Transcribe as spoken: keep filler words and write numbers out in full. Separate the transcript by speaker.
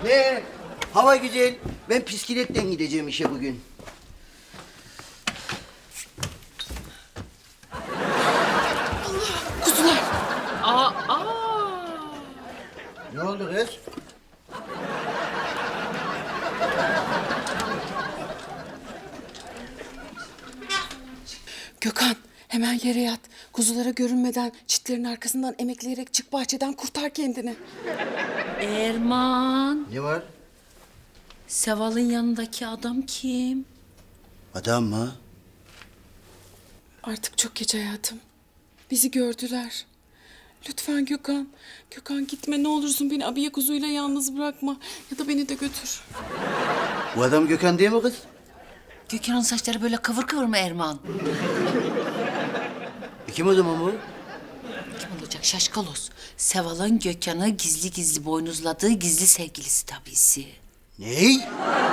Speaker 1: Ne? Hava güzel. Ben bisikletle gideceğim işe bugün.
Speaker 2: Aa, aa.
Speaker 1: Ne oldu kız?
Speaker 3: Gökhan hemen yere yat. Kuzulara görünmeden çitlerin arkasından emekleyerek çık bahçeden kurtar kendini.
Speaker 2: Erman.
Speaker 1: Ne var?
Speaker 2: Seval'ın yanındaki adam kim?
Speaker 1: Adam mı?
Speaker 3: Artık çok geç hayatım. Bizi gördüler. Lütfen Gökhan. Gökhan gitme ne olursun beni abiye kuzuyla yalnız bırakma. Ya da beni de götür.
Speaker 1: Bu adam Gökhan değil mi kız?
Speaker 2: Gökhan'ın saçları böyle kıvır kıvır mı Erman?
Speaker 1: E kim o zaman bu?
Speaker 2: Kim olacak şaşkalos? Seval'ın Gökhan'ı gizli gizli boynuzladığı gizli sevgilisi tabisi.
Speaker 1: Ney?